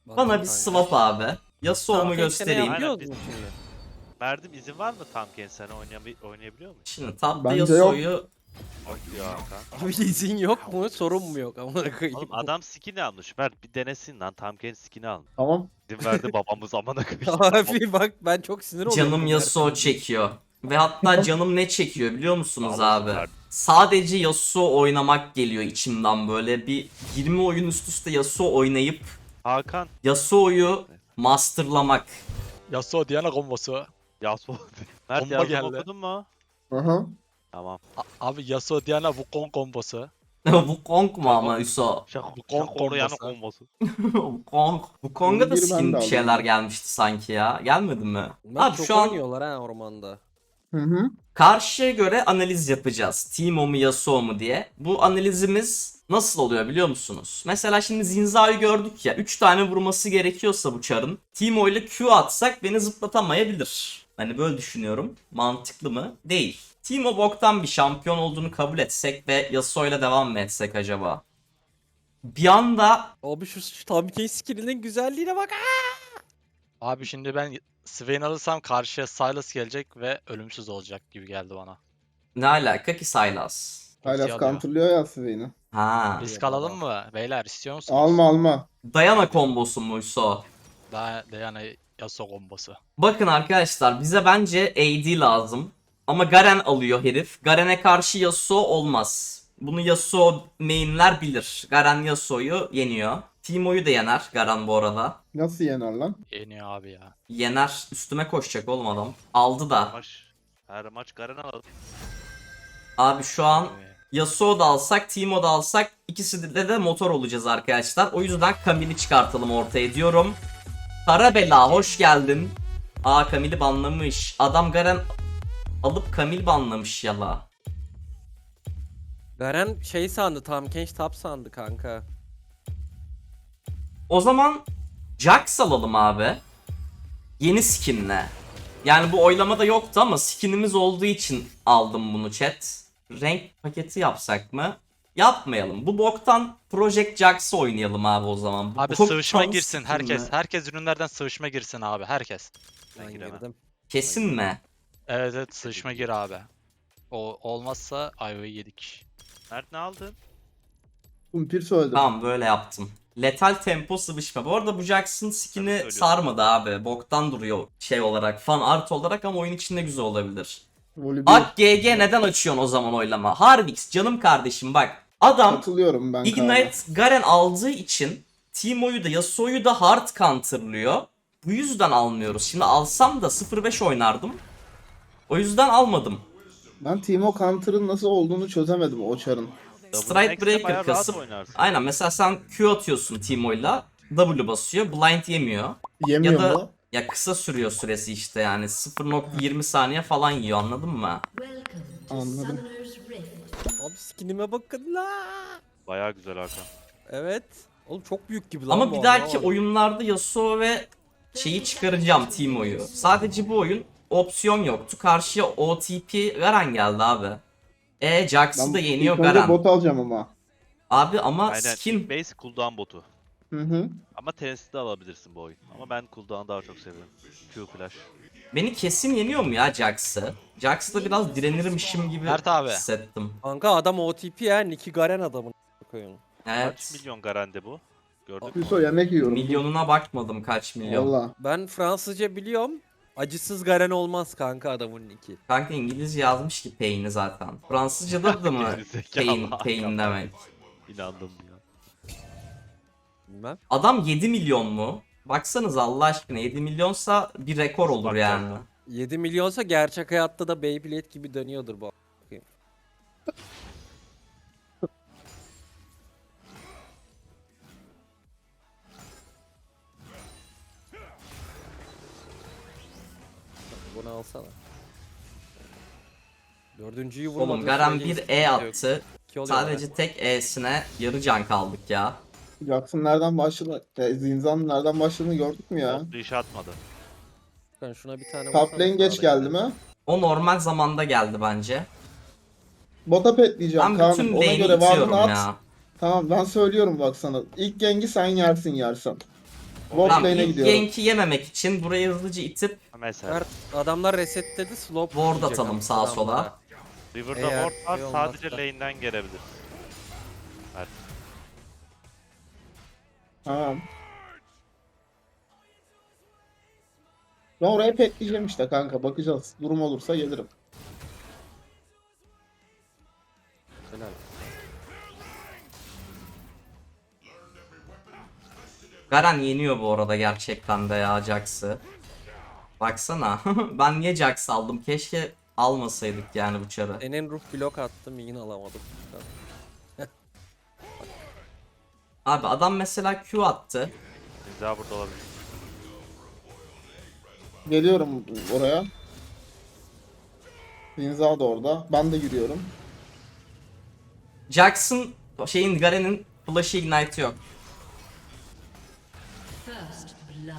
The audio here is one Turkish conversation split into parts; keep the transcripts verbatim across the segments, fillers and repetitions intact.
Bana bir kanka. swap abi. Yasuo'mu Tamam, göstereyim. Aynen. Aynen, Biliyoruz mu şimdi? Verdim, izin var mı tam genç sana oynayabi- oynayabiliyor mu? Şimdi tapta Bence yok. Yasuo'yu Yok ya Hakan. Abi izin yok mu? Sorun mu yok? Amına koyayım. Oğlum adam skin'i almış. Ver bir denesin lan, tam genç skin'i almış. Tamam. İzin verdi babamız amına koyayım. Abi bak ben çok sinir oluyorum. canım Yasuo çekiyor. Ve hatta canım ne çekiyor biliyor musunuz Sağ olasın abi? kardeşim. Sadece Yasuo oynamak geliyor içimden böyle. Bir yirmi oyun üst üste Yasuo oynayıp Hakan. Yasuo'yu masterlamak. Yasuo Diana kombosu. Yasuo. Mert Bomba yazdım, geldi. okudun mu? Aha. Tamam. A- abi Yasuo Diana Wukong kombosu. Wukong mu ama Yasuo? Şaka, Bu kon- şaka yanı kombosu. kombosu. Wukong. Wukong'a da Bir ben de skin bir aldım. şeyler gelmişti sanki ya. Gelmedi mi? Bunlar Abi çok şu an oynuyorlar ha ormanda. Hı hı. karşıya göre analiz yapacağız. Teemo mu Yasuo mu diye. Bu analizimiz nasıl oluyor biliyor musunuz? Mesela şimdi Zinza'yı gördük ya. üç tane vurması gerekiyorsa bu çarın. Teemo ile Q atsak beni zıplatamayabilir. Hani böyle düşünüyorum. Mantıklı mı? Değil. Teemo boktan bir şampiyon olduğunu kabul etsek ve Yasuo ile devam mı etsek acaba? Bir anda Abi şu, şu Tamken skill'inin güzelliğine bak. Abi şimdi ben Swain alırsam karşıya Sylas gelecek ve ölümsüz olacak gibi geldi bana. ne alaka ki Sylas? Hala alıyor. counterlıyor ya Swain'i. Ha. Risk alalım mı? Beyler istiyor musunuz? Alma alma. Dayana kombosu muysa? Daha Diana Yasuo kombosu. Bakın arkadaşlar bize bence A D lazım. Ama Garen alıyor herif. Garen'e karşı Yasuo olmaz. Bunu Yasuo mainler bilir. Garen Yasuo'yu yeniyor. Teemo'yu da yener Garen bu arada. Nasıl yener lan? Yeniyor abi ya. Yener. Üstüme koşacak oğlum adam. Aldı da. Maç. Her maç Garen alalım. Abi şu an Evet. Yasuo da alsak, Teemo da alsak ikisi de de motor olacağız arkadaşlar. O yüzden Camille'i çıkartalım ortaya diyorum. Karabela hoş geldin. Aa Camille'i banlamış. Adam Garen alıp Camille banlamış yala. Garen şey sandı, Tamken top sandı kanka. O zaman Jax alalım abi. Yeni skinle. Yani bu oylamada yoktu ama skinimiz olduğu için aldım bunu chat. Renk paketi yapsak mı? Yapmayalım. Bu boktan Project Jax'ı oynayalım abi o zaman. Bu Abi boktan sıvışma girsin skinle. herkes. Herkes ürünlerden sıvışma girsin abi herkes. Ben Ben giremem. girdim. Kesin mi? Evet evet sıvışma gir abi. O olmazsa ayvayı yedik. Mert ne aldın? Kumpir söyledim. Tamam böyle yaptım. Letal tempo sıvışma. Bu arada bu Jax'ın skin'i söylüyorsun. sarmadı abi. Boktan duruyor şey olarak. Fan art olarak ama oyun içinde güzel olabilir. Voli bir. Ak G G neden açıyorsun o zaman oylama? Harvix canım kardeşim bak. Adam Katılıyorum ben. Ignite Garen aldığı için Teemo'yu da Yasuo'yu da hard counterlıyor. Bu yüzden almıyoruz. Şimdi alsam da sıfır beş oynardım. O yüzden almadım. Ben Teemo Counter'ın nasıl olduğunu çözemedim o çarın. Double Stride Max'te Breaker bayağı rahat kasıp oynarsın. aynen mesela sen Q atıyorsun Teemo'yla W basıyor. Blind yemiyor. Yemiyor Ya da- mu? Ya kısa sürüyor süresi işte yani sıfır nokta yirmi saniye falan yiyor anladın mı? Anladım. Abi skinime bakın la. Bayağı güzel Hakan. Evet. Oğlum çok büyük gibi lan Ama bu bir dahaki anlamadım. oyunlarda Yasuo ve şeyi çıkaracağım Teemo'yu. Sadece bu oyun opsiyon yoktu. Karşıya O T P Garen geldi abi. E Jax'ı da yeniyor ilk önce Garen. bot alacağım ama. Abi ama Aynen. skin Base cooldown botu. Hı hı. Ama Tennessee'de de alabilirsin bu oyun. Ama ben cooldown'u daha çok seviyorum. Q flash. beni kesin yeniyor mu ya Jax'ı? Jax'la biraz direnirmişim gibi Mert abi. hissettim. Kanka adam O T P ya. Nicky Garen adamın. Koyun. Kaç Evet. milyon Garen'de bu? Gördük mü? Hüso yemek yiyorum. Milyonuna bakmadım kaç milyon. Valla. Ben Fransızca biliyorum. Acısız Garen olmaz kanka adamın Nicky. Kanka İngilizce yazmış ki pain'i zaten. Fransızca'da da mı Gerizekalı pain, Hakan. pain demek? İnandım ya. Bilmem. Adam yedi milyon mu? Baksanız Allah aşkına yedi milyonsa bir rekor olur Bak yani. zaten. yedi milyonsa gerçek hayatta da Beyblade gibi dönüyordur bu. Bunu alsana. Dördüncüyü vurmadın. Oğlum Garen sürece bir sıkıntı E yok. attı. İki oluyor Sadece tek E'sine yarı can kaldık ya. Jackson nereden başladı? E, Zinzan nereden başladığını gördük mü ya? Bot iş atmadı. Ben şuna bir tane Top vursana lane geç sağdaki. geldi mi? O normal zamanda geldi bence. Bota petleyeceğim Ben Kaan. bütün Ona lane'i göre itiyorum vardın at. ya. Tamam ben söylüyorum bak sana. İlk gengi sen yersin yersen. Bot Tamam, lane'e ilk gidiyorum. gank'i yememek için burayı hızlıca itip Mesela. Mert adamlar resetledi slow Ward yiyecek atalım ama sağa adamlara. sola. River'da Eğer ward var, şey sadece olmazsa. lane'den gelebilir. Evet. Tamam. Ben oraya pekleyeceğim işte kanka. Bakacağız. Durum olursa gelirim. Helal. Garen yeniyor bu arada gerçekten de ya Jax'ı. Baksana. Ben niye Jax aldım? Keşke almasaydık yani bu çarı. Enen ruh blok attım yine alamadım. Abi adam mesela Q attı. Zinza burada olabilir. Geliyorum oraya. Zinza da orada. Ben de yürüyorum. Jax'ın şeyin Garen'in flash'ı ignite yok. First blood.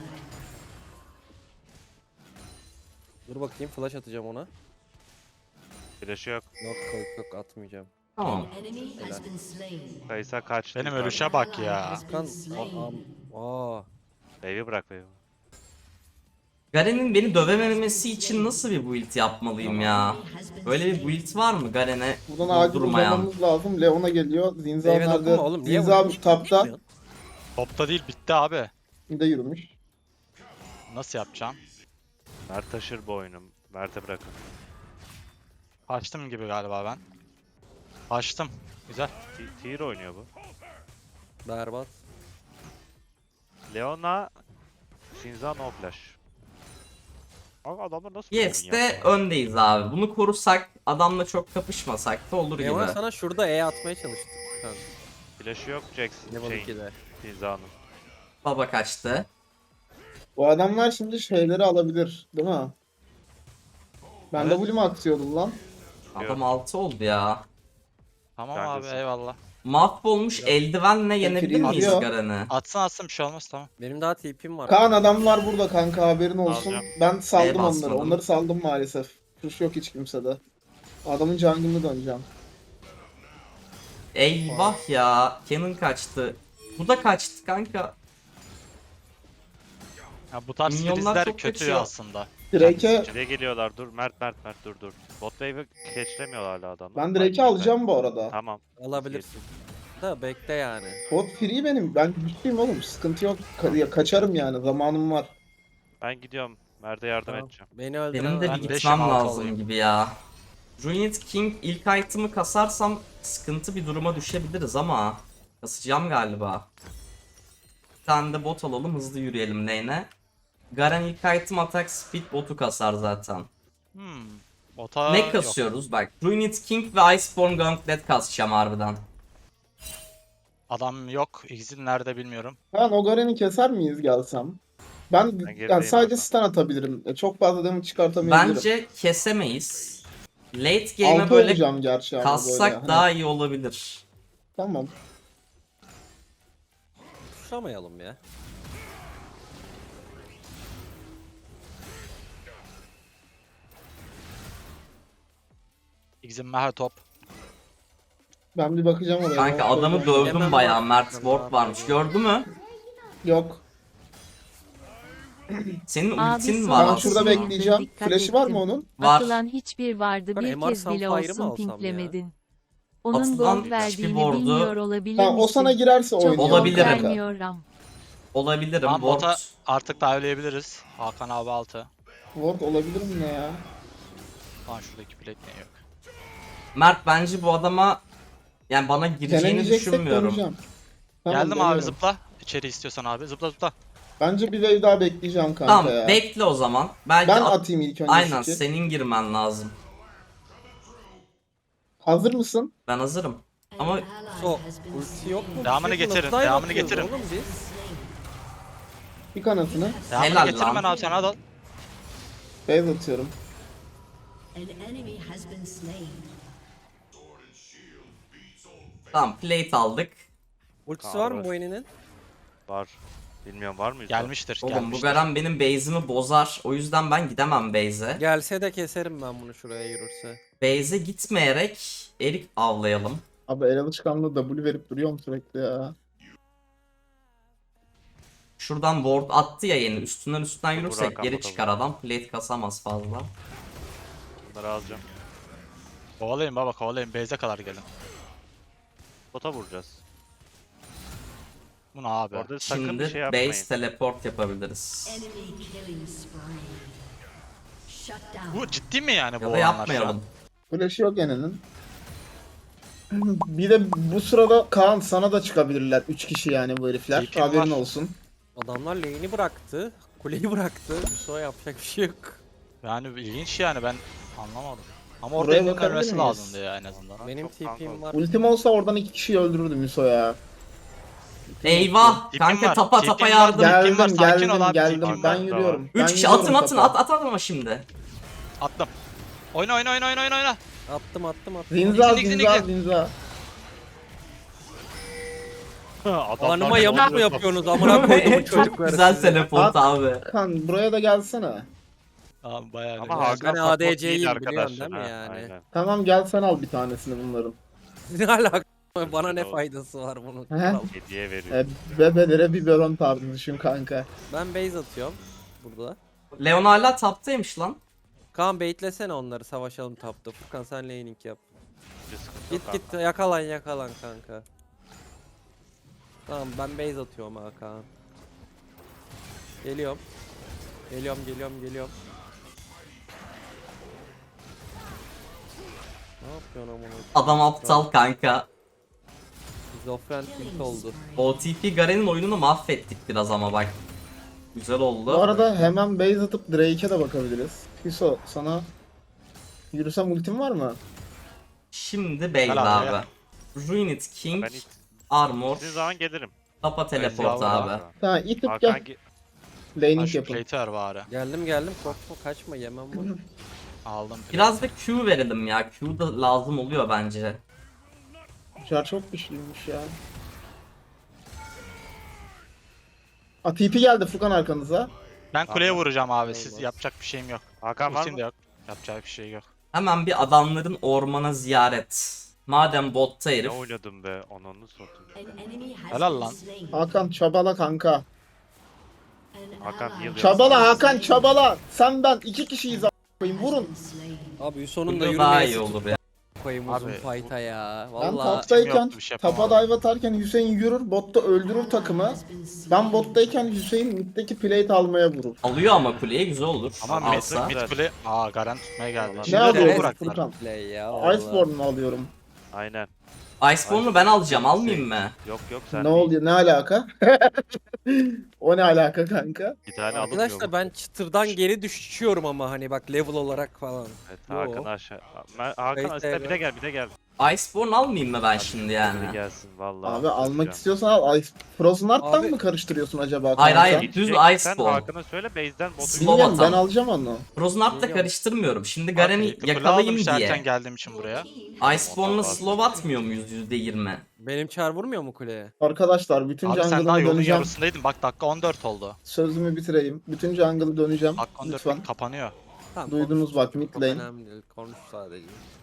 Dur bakayım flash atacağım ona. Flash'ı yok. Yok yok yok atmayacağım. Tamam. Enemy has been slain. Kaysa kaçtı. Benim yukarıda. ölüşe bak ya. Has been Kan slain. aa, aa. Wave'i bırak wave'i. Garen'in beni dövememesi için nasıl bir build yapmalıyım ya? Böyle bir build var mı Garen'e Buradan acil vurdurmayan? uzamamız lazım. Leon'a geliyor. Zinza Meyve dokunma nerede? oğlum. Niye Zinza vurmuş? tapta. Bilmiyorum. Topta değil bitti abi. Bir de yürümüş. Nasıl yapacağım? Mert taşır bu oyunu. Mert'e bırakın. Açtım gibi galiba ben. Açtım. Güzel. T- Tier oynuyor bu. Berbat. Leona, Shinza no flash. Abi adamlar nasıl bir oyun Yes'te yaptı? öndeyiz abi. Bunu korusak, adamla çok kapışmasak da olur Leona gibi. sana şurada E atmaya çalıştık. Kanka. Flash'ı yok Jax Level şeyin, ikide. Shinza'nın. Baba kaçtı. Bu adamlar şimdi şeyleri alabilir. Değil mi? Ben Evet. W mu aksiyordum lan? Adam altı oldu ya. Tamam Neredesin? abi eyvallah. Mahvolmuş eldivenle yenebilir miyiz izliyor. Garen'i? Atsın atsın bir şey olmaz tamam. Benim daha T P'm var. Kaan adamlar burada kanka haberin olsun. Alacağım. Ben saldım Neye basmadın? onları. Onları saldım maalesef. Tuş yok hiç kimsede. Adamın jungle'ını döneceğim. Eyvah ya. Canon kaçtı. Bu da kaçtı kanka. Ya bu tarz Minyonlar filizler çok kötü kaçıyor. aslında. Drake'e Şuraya geliyorlar dur. Mert Mert Mert dur dur. Bot wave'i catchlemiyor hala adamlar. ben Drake'i alacağım bu arada. Tamam. Alabilirsin. Da bekle yani. Bot free benim. Ben güçlüyüm oğlum. Sıkıntı yok. Ka- ya kaçarım yani. Zamanım var. Ben gidiyorum. Mert'e yardım Tamam. edeceğim. Beni öldüren Benim de Ben bir beşim, gitmem altı lazım olayım. gibi ya. Ruined King ilk item'ı kasarsam sıkıntı bir duruma düşebiliriz ama kasacağım galiba. Bir tane de bot alalım hızlı yürüyelim lane'e. Garen ilk item atak speed botu kasar zaten. Hmm. Bota ne yok. kasıyoruz bak. Ruined King ve Iceborne Gauntlet kasacağım harbiden. Adam yok. Exil nerede bilmiyorum. Kaan o Garen'i keser miyiz gelsem? Ben, Ben yani gerideyim sadece abi. stun atabilirim. E, Çok fazla damage çıkartamayabilirim. Bence kesemeyiz. Late game'e Altı böyle olacağım gerçi ama kassak böyle. Hani, daha iyi olabilir. Tamam. Tuşlamayalım ya. Exil meha top. Ben bir bakacağım oraya. Kanka Bot adamı koyacağım. dövdüm Hemen bayağı. bak. Mert Hemen Ward bak. varmış. Gördü mü? Yok. Senin Abi ultin son var Ben Var şurada aslında. aslında. bekleyeceğim. Dikkat Flash'i var mı ettim. onun? Var. Atılan hiçbir vardı Ben bir M R kez bile Sunfire'ı mı olsun alsam ya? pinklemedin. Onun Atılan gold hiçbir verdiğini board'u- bilmiyor olabilir Tamam o misin? sana girerse Çok oynuyor. gold Olabilirim. vermiyorum. Olabilirim. Tamam Ward. bota artık dive'leyebiliriz. Hakan abi altı. Ward olabilir mi ne ya? Lan şuradaki plate ne yok. Mert bence bu adama yani bana gireceğini Deneyeceksek düşünmüyorum. döneceğim. Tamam, Geldim abi deniyorum. zıpla. İçeri istiyorsan abi zıpla zıpla. Bence bir wave daha bekleyeceğim kanka Tamam ya. bekle o zaman. Belki Ben at- atayım ilk önce Aynen skill'i. senin girmen lazım. Hazır mısın? Ben hazırım. Ama So, ulti yok mu? Devamını Bir şey getirin, nasıl dive devamını atıyoruz getirin. Oğlum biz. Bir kanatını. Devamını Helal getirin lan. ben abi sana da. Base atıyorum. An enemy has been slain. tamam plate aldık. Ultisi var mı Var. bu eninin? Var. Bilmiyorum var mıyız? Gelmiştir Oğlum bu gelmiştir. Garen benim base'imi bozar. O yüzden ben gidemem base'e. Gelse de keserim ben bunu şuraya yürürse. Base'e gitmeyerek erik avlayalım. Abi el alışkanlığı W verip duruyorum sürekli ya. Şuradan ward attı ya yeni. Üstünden üstünden yürürsek Hakan geri bakalım. çıkar adam. Plate kasamaz fazla. Bunları alacağım. Kovalayın baba kovalayın. Base'e kadar gelin. Bota vuracağız. Bu ne abi? Orada sakın bir Şimdi şey yapmayın. base teleport yapabiliriz. Enemy killing spree. Shut down. Bu ciddi mi yani bu Ya da olanlar şu an? yapmayalım. Flash'ı yok Ene'nin. Bir de bu sırada Kaan sana da çıkabilirler. üç kişi yani bu herifler. Tipim Haberin var. olsun. Adamlar lane'i bıraktı. Kuleyi bıraktı. Yusuf'a yapacak bir şey yok. Yani ilginç yani ben anlamadım. Ama Buraya orada elinin bakabilir ölmesi miyiz? lazımdı ya en azından. Benim çok kanka T P'm var. Ultim olsa oradan iki kişiyi öldürürdüm Yusuf ya. Eyvah! Tipim Kanka var, tapa tipim tapa var. yardım. Gel- Geldim var, sakin geldim ol abi, geldim. tipim Ben var. yürüyorum. Ben Üç kişi yürüyorum atın atın topa. at at atma şimdi. Attım. Oyna oyna oyna oyna oyna oyna. Attım attım attım. Zinza Nixon, zinza Nixon. zinza. Adamlar Anıma ne yamuk mu oluyor? yapıyorsunuz amına koyduğum Çok çocuklar. güzel size. teleport abi. Kan buraya da gelsene. Abi bayağı Ama güzel. Hakan Ben support A D C'yim değil biliyorsun arkadaşlar, değil mi ha, yani? aynen. Tamam gel sen al bir tanesini bunların. Ne alaka? Bana ne Olsun. faydası var bunun? He? Hediye veriyor. E, bebelere biberon tarzı düşün kanka. Ben base atıyorum burada. Leon hala taptaymış lan. Kaan baitlesene onları savaşalım tapta. Furkan sen laning yap. Bir sıkıntı yok Git git kanka. yakalan yakalan kanka. Tamam ben base atıyorum ha Kaan. Geliyorum. Geliyorum geliyorum geliyorum. Ne yapıyorsun amına? Adam aptal kanka. Şizofren tilt oldu. O T P Garen'in oyununu mahvettik biraz ama bak. Güzel oldu. Bu arada hemen base atıp Drake'e de bakabiliriz. Hiso sana yürüsem ultim var mı? Şimdi Bale Helal abi. ya. Ruined King, Ben hiç Armor, istediğin zaman gelirim. Tapa teleport Eyvallah. abi. Ha itip Hakan gel. ge- Laning Şu yapın. plate'i ver bari. Geldim geldim korkma kaçma yemem bunu. Aldım. plate'i. Biraz da Q verelim ya. Q da lazım oluyor bence. Şar çok güçlüymüş ya. A T P geldi Furkan arkanıza. Ben kuleye Tamam. vuracağım abi. Siz Olmaz. yapacak bir şeyim yok. Hakan var Ultim de mı? yok. Yapacak bir şey yok. Hemen bir adamların ormana ziyaret. Madem botta Ne herif. oynadım be, ananı satayım. An enemy has Helal been lan. slain. Hakan çabala kanka. An Hakan ally heal has Çabala been Hakan slain. çabala. Sen ben iki kişiyiz a**ayım Has vurun. been slain. Abi sonunda Burada daha iyi yürümeye olur ya. koyayım uzun Abi, fight'a ya. Ben Valla. toptayken yoktu, bir şey tapa yapamadım. dive atarken Hüseyin yürür botta öldürür takımı. Has been slain. Ben bottayken Hüseyin middeki plate almaya vurur. Alıyor ama kuleye güzel olur. Ama mid, Alsa. mid kule... Aa Garen tutmaya geldi. Ne Şimdi alıyor de bu bıraktılar. Furkan? Play ya. valla. Iceborne'u alıyorum. Aynen. Iceborne'u ben alacağım. Almayayım mı? Yok yok sen Ne değil. oluyor? Ne alaka? O ne alaka kanka? Bir tane alınmıyor Arkadaşlar mu? ben çıtırdan geri düşüyorum ama hani bak level olarak falan. Evet, Yo. Hakan aşağı. Ben, Hakan Kayıt aslında bir devre. de gel bir de gel. Iceborne almayayım mı ben şimdi Bir yani? gelsin vallahi. Abi almak bakacağım. istiyorsan al. Ice Frozen Heart'tan Abi- mı karıştırıyorsun acaba kanka? Hayır, hayır. Düz Gideceksen Iceborne. Hakan'a söyle base'den botu Slow Bilmiyorum ben atan. alacağım onu. Frozen Heart'ta Geliyorum. karıştırmıyorum. Şimdi Abi, Garen'i kule yakalayayım aldım işte erken diye. geldiğim için buraya. Iceborne'la slow atmıyor muyuz yüzde yirmi? Benim çar vurmuyor mu kuleye? Arkadaşlar bütün Abi sen daha jungle'ımı yolun döneceğim. yarısındaydın. Bak dakika on dört oldu. Sözümü bitireyim. Bütün jungle'ı döneceğim. Dakika on dört Lütfen. kapanıyor. Tamam, Duydunuz konuş. bak, Çok mid lane. önemli değil. Konuş sadece.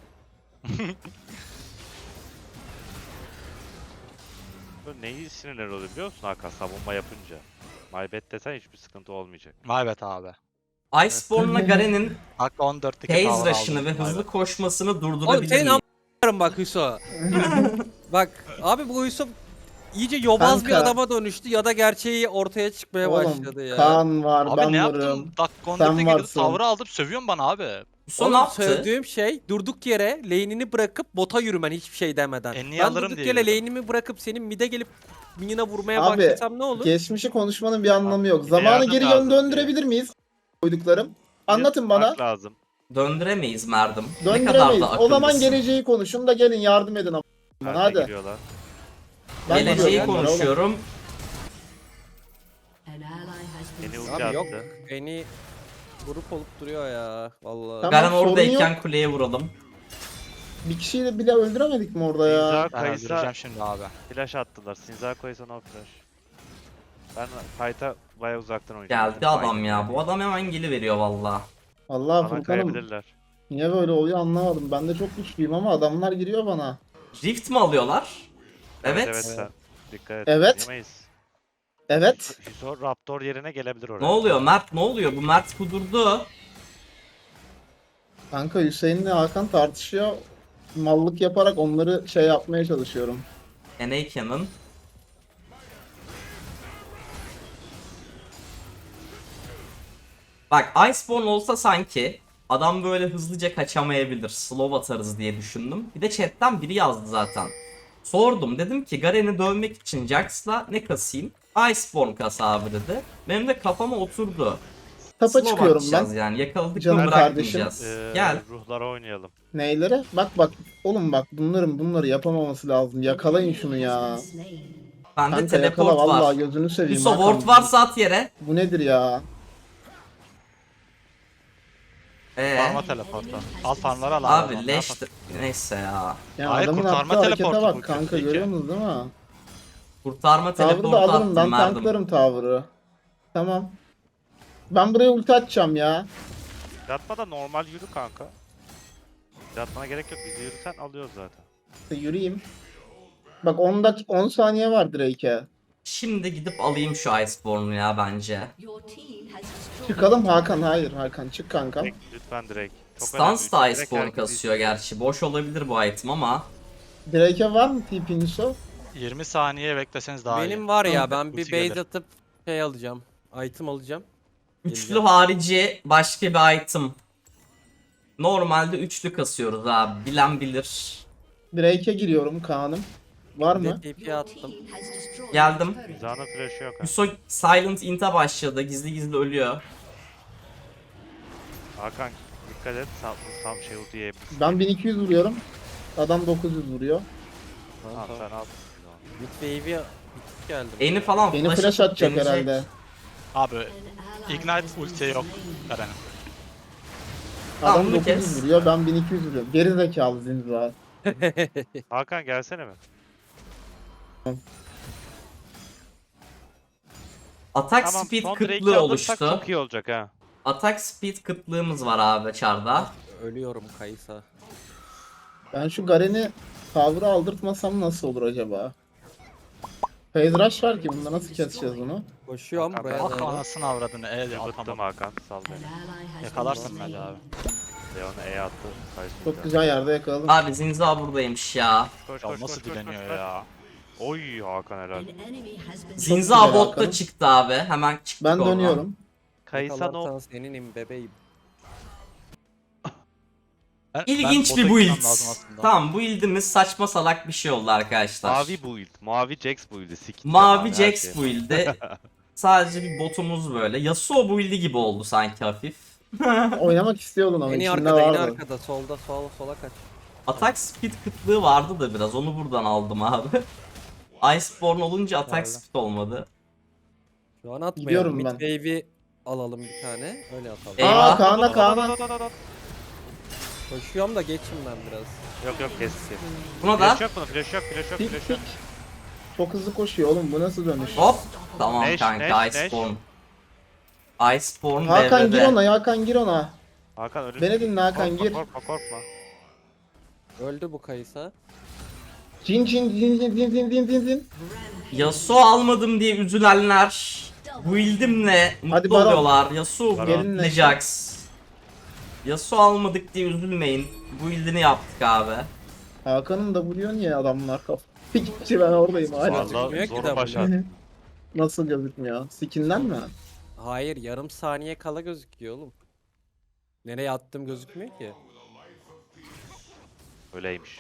Böyle neyi sinirler oluyor biliyor musun Hakan savunma yapınca? My bad desen hiçbir sıkıntı olmayacak. Maybet abi. Iceborne'la Garen'in Dakika on dörtteki phase tower rush'ını aldım. ve hızlı Maybet. koşmasını Oğlum durdurabilir senin miyim? am***larım bak Hüso. Bak abi bu Hüso iyice yobaz bir Kanka. adama dönüştü ya da gerçeği ortaya çıkmaya başladı Oğlum ya. Kaan var, Abi ben ne varım. yaptın? Dakika on Sen dörtte girdim varsın. tower'ı aldım sövüyorsun bana abi. Son ne Oğlum yaptı? söylediğim şey durduk yere lane'ini bırakıp bota yürümen hiçbir şey demeden. E, niye ben alırım durduk diye yere yürüdüm. lane'imi bırakıp senin mid'e gelip minyona vurmaya Abi, başlasam ne olur? Geçmişi konuşmanın bir anlamı yok. Bir de Zamanı yardım geri lazım yön döndürebilir miyiz? Koyduklarım. Anlatın bana. Yapmak lazım. Döndüremeyiz Merdim. Ne kadar Döndüremeyiz. da O zaman akıllısın. geleceği konuşun da gelin yardım edin. a**. Hadi. Hadi. Giriyorlar. Ben Geleceği gidiyorum onlara oğlum. konuşuyorum. An ally has been Beni slain. ulti Abi yok. attı. Beni grup olup duruyor ya. Vallahi. Tamam. Garen sorun oradayken kuleye vuralım. Bir kişiyi de bile öldüremedik mi orada ya? Sinza Ben Kayısa öldüreceğim şimdi abi. flash attılar. Sinza Kayısa no flash. Ben fight'a baya uzaktan oynuyorum. Geldi adam ya. Bu adam hemen geliveriyor valla. Allah Bana Furkan'ım. kayabilirler. Niye böyle oluyor anlamadım. Ben de çok güçlüyüm ama adamlar giriyor bana. Rift mi alıyorlar? Evet. Evet sen. Dikkat et. Evet. Yemeyiz. Evet. Hüso Raptor yerine gelebilir oraya. Ne oluyor Mert, ne oluyor? Bu Mert kudurdu. Kanka Hüseyin'le Hakan tartışıyor. Mallık yaparak onları şey yapmaya çalışıyorum. N A Cannon. Bak Iceborne olsa sanki adam böyle hızlıca kaçamayabilir. Slow atarız diye düşündüm. Bir de chatten biri yazdı zaten. Sordum, dedim ki Garen'i dövmek için Jax'la ne kasayım? Iceborne kas abi dedi. Benim de kafama oturdu. Tapa Slow çıkıyorum atacağız ben. yani, yakaladık Canım mı kardeşim. bırakmayacağız. Ee, Gel. Ruhlara oynayalım. Neylere? Bak bak. Oğlum bak bunların bunları yapamaması lazım. Yakalayın şunu ya. Bende Kanka yakala teleport var. vallahi gözünü seveyim. Hüso Hakan. ward varsa at yere. Bu nedir ya? Ee, Farma teleportu. Al farmları al abi leş neyse ya. Ya Hayır, adamın kurtarma attığı harekete teleportu bu bak kanka, kötü görüyor ki. musunuz değil mi? Kurtarma Tavrı teleportu da alırım, attım ben verdim. tanklarım tavrı. Tamam. Ben buraya ulti atacağım ya. Yatma da normal yürü kanka. Yatmana gerek yok. Bizi yürüsen alıyoruz zaten. İşte yürüyeyim. Bak on dak on saniye var Drake'e. Şimdi gidip alayım şu Iceborne'u ya bence. Your team has destroyed Çıkalım Hakan, hayır Hakan çık kanka. Direkt, lütfen direkt. Çok Stans da önemli. Direkt Iceborne herkes kasıyor gerçi. Boş olabilir bu item ama. Drake'e var mı T P Yusuf? yirmi saniye bekleseniz daha iyi. Benim var ya, ben bir Ulti base gelir. atıp şey alacağım. Item alacağım. Üçlü Geleceğim. harici başka bir item. Normalde üçlü kasıyoruz abi. Bilen bilir. Drake'e giriyorum Kaan'ım. Var Bir mı? de T P Your attım. team has destroyed Geldim. a turret. Zana flash'ı yok ha. Hüso Silent Int'e başladı. Gizli gizli ölüyor. Hakan dikkat et. Sağ, sağ şey ulti yiyebilirsin. Ben bin iki yüz vuruyorum. Adam dokuz yüz vuruyor. Tamam Tamam. sen al. Mid wave'i bitik geldim. Eni falan Beni flash, flash atıp atacak deneyecek. herhalde. Abi An ally Ignite has been ulti yok slain. Garen'in. Tamam, Adam bunu dokuz yüz kes. vuruyor, ben bin iki yüz vuruyorum. Geri zekalı zinza. Hakan gelsene mi? Atak Tamam speed son Drake'i kıtlığı alırsak oluştu. çok iyi olacak ha. Atak speed kıtlığımız var abi çarda. Ölüyorum Kaysa. Ben şu Garen'i tavrı aldırtmasam nasıl olur acaba? Phase rush var ki, bunda nasıl keseceğiz bunu? Koşuyorum Hakan, buraya Ah doğru. anasını avradını. E Bıktım atamam. Hakan sal An beni. ally has been Yakalarsın slain. bence abi. Leon'a E attı. Kayısı Çok güzel yerde yakaladım. Abi Zinza buradaymış ya. Koş Ya koş nasıl koş koş dileniyor koş. ya. Oy Hakan helal. An enemy has been Zinza güzel botta Hakan. çıktı abi. Hemen çıktık Ben oradan. dönüyorum. Kayısa no. Yakalarsan seninim bebeğim. Ben- İlginç ben bir bota build. gitmem lazım aslında. Tamam, build'imiz saçma salak bir şey oldu arkadaşlar. Mavi build. Mavi Jax build'i. Siktir Mavi abi her Jax şey. build'i. Sadece bir botumuz böyle. Yasuo build'i gibi oldu sanki hafif. Oynamak istiyordun ama En iyi içinde arkada, en iyi vardı. arkada. Solda, sola, sola kaç. Atak speed kıtlığı vardı da biraz, onu buradan aldım abi. Iceborne olunca atak Geldi. speed olmadı. Şu an atmayalım. Gidiyorum Mid ben. wave'i alalım bir tane. Öyle atalım. Eyvah. Aa Kaan'a Kaan'a. Koşuyorum da geçin ben biraz. Yok yok kes kes. Buna da Flash yok bunun. Flash yok. Flash yok. Pik Flash pik. yok. Çok hızlı koşuyor oğlum, bu nasıl dönüş? hop. Tamam Neş, kanka, neş, neş. Iceborne. Iceborne Hakan gir devrede. ona, Hakan gir ona. Hakan önünde. Beni dinle Hakan, Korkma, gir. Korkma korkma. Öldü bu Kaysa. Cin cin cin cin cin cin cin cin cin. Yasuo almadım diye üzülenler build'imle Hadi mutlu Baron. oluyorlar. Yasuo Baron. build'le Gelinle. Jax. Yasuo almadık diye üzülmeyin. Build'ini yaptık abi. Hakan'ın W'yu niye adamlar kaf? Pikçi, ben oradayım hala. Valla gözükmüyor ki zor de başar. Nasıl gözükmüyor? Skin'den mi? Hayır, yarım saniye kala gözüküyor oğlum. Nereye attım gözükmüyor ki. Öyleymiş.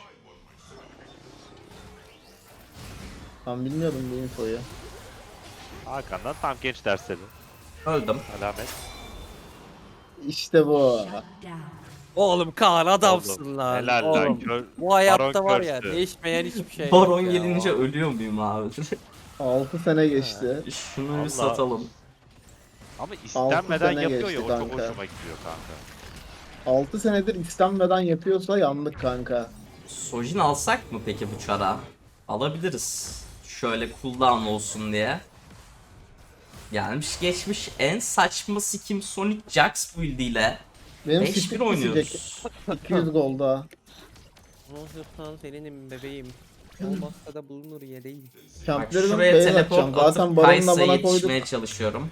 Ben bilmiyordum bu infoyu. Hakan'dan tam genç dersleri. Öldüm. Alamet. İşte bu. Shut down. Oğlum Kaan adamsın Oldu. lan. Helal Oğlum. lan. Kör... Bu hayatta Baron var ya, curse'ü. değişmeyen hiçbir şey yok Baron ya. gelince ölüyor muyum abi? altı sene geçti. Şunu Vallahi. bir satalım. Ama istenmeden sene yapıyor ya geçti o çok kanka. hoşuma gidiyor kanka. altı senedir istenmeden yapıyorsa yandık kanka. Sojin alsak mı peki bu çara? Alabiliriz. Şöyle cooldown olsun diye. Gelmiş geçmiş en saçma skim Sonic Jax build ile Benim beş bir speed kesecek. oynuyoruz. iki yüz golda. Olsun seninim bebeğim. Olmazsa da bulunur yedeğim. Bak Kamplarını şuraya beyaz teleport atacağım. Zaten atıp baronun Kaysa'ya amına koyduk. yetişmeye çalışıyorum.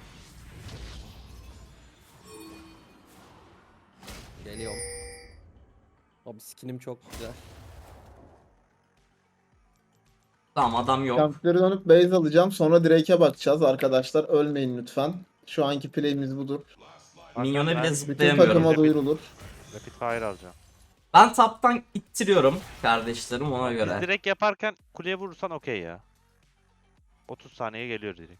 Geliyorum. Abi skinim çok güzel. Tamam adam yok. Kampları dönüp base alacağım. Sonra Drake'e bakacağız arkadaşlar. Ölmeyin lütfen. Şu anki play'imiz budur. Minyona Ben bile Bütün zıplayamıyorum. takıma Rapid- duyurulur. Rapid fire alacağım. Ben taptan ittiriyorum kardeşlerim ona Biz göre. direkt yaparken kuleye vurursan okey ya. otuz saniye geliyor direkt.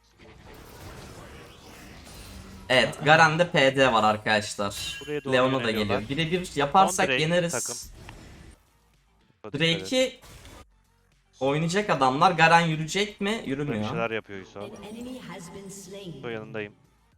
Evet Garen'de P D var arkadaşlar. Buraya doğru Leona da yöneliyorlar. geliyor. Birebir yaparsak Drake yeneriz. takım. Drake'i oynayacak adamlar. Garen yürüyecek mi? Burada bir Yürümüyor. şeyler yapıyor Yusuf. An enemy has been slain. Bu yanındayım.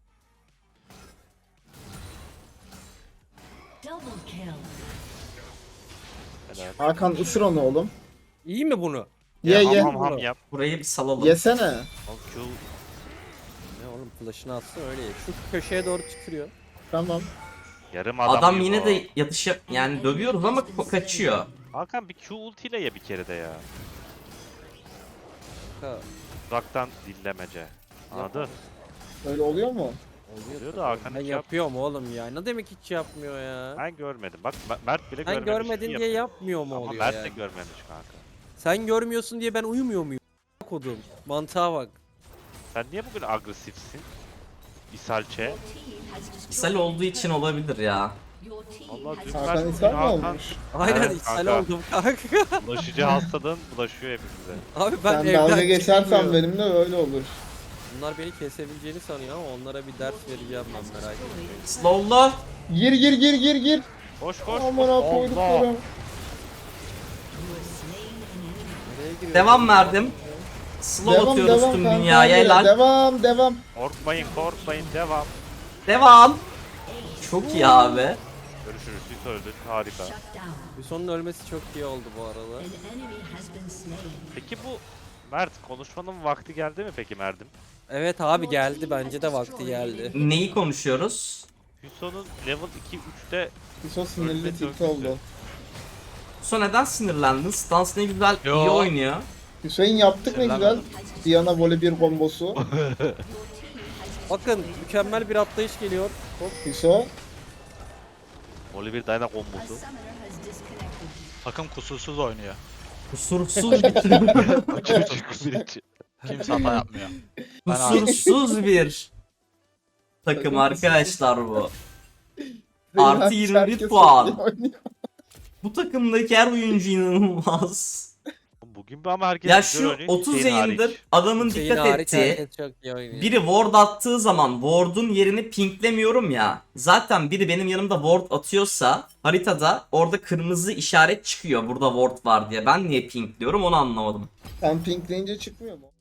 Double kill. Helal. Hakan ısır onu oğlum. İyi mi bunu? Ye Ya, ye. ham ham ham yap. Burayı bir salalım. Yesene. Al Q. Ne oğlum flash'ını atsın öyle ye. Şu köşeye doğru tükürüyor. Tamam. Yarım adam, Adam gibi yine o. de yatışa yani dövüyoruz ama ko- kaçıyor. Hakan bir Q ultiyle ye bir kere de ya. Ha, Uzaktan dillemece. Anladın? Öyle oluyor mu? oluyor Oluyor tabii. da Hakan Ben hiç yap- yapıyorum oğlum ya. Ne demek hiç yapmıyor ya? Ben görmedim. Bak M- Mert bile Sen görmemiş. görmedin iyi diye yapıyor. yapmıyor mu Ama oluyor Mert de yani? görmemiş kanka. Sen görmüyorsun diye ben uyumuyor muyum? Kodum. Mantığa bak. Sen niye bugün agresifsin? İsalçe. Your team has destroyed İshal olduğu için olabilir ya. Your team Allah has dün Hakan Mert ishal bugün mi Hakan olmuş? Aynen Evet, ishal kanka. oldum kanka. bulaşıcı hastalığın bulaşıyor hepimize. Abi ben Sen evden dalga geçersen çıkmıyorum. benimle öyle olur. Bunlar beni kesebileceğini sanıyor ama onlara bir ders vereceğim ben merak etme. Slow'la. Gir gir gir gir gir. Koş koş. Aman koş. ha koyduklarım. Nereye giriyor? Devam verdim. Slow Devam atıyoruz devam tüm kanka. dünyaya böyle. helal. Devam devam. Korkmayın korkmayın devam. Devam. Çok iyi abi. Görüşürüz. Siz öldün. Harika. shut down. Bir sonun ölmesi çok iyi oldu bu arada. An enemy has been slain. Peki bu Mert konuşmanın vakti geldi mi peki Mert'im? Evet abi geldi bence de vakti geldi. Neyi konuşuyoruz? Hüson'un level iki üçte Hiso sinirli Ölmek tilt çok oldu. güzel. So neden sinirlendin? Stans ne güzel Yo. iyi oynuyor. Hüseyin yaptık ne güzel. Diana voley bir kombosu. Bakın mükemmel bir atlayış geliyor. Hop. Hiso. Oliver Dyna A kombosu. summoner has disconnected. Takım kusursuz oynuyor. Kusursuz bir, Çocuk birinci. Kimse hata yapmıyor. Ben hariç. kusursuz bir takım Takım arkadaşlar bu. Zeynep Artı yirmi bir herkes puan. çok iyi oynuyor. Bu takımdaki her oyuncu inanılmaz. Bugün bir ama herkes Ya güzel şu oynuyor, otuz Hüseyin yayındır hariç. adamın Hüseyin dikkat hariç ettiği herkes çok iyi oynuyor. biri ward attığı zaman ward'un yerini pinklemiyorum ya. Zaten biri benim yanımda ward atıyorsa haritada orada kırmızı işaret çıkıyor burada ward var diye. Ben niye pinkliyorum onu anlamadım. Sen pinkleyince çıkmıyor mu?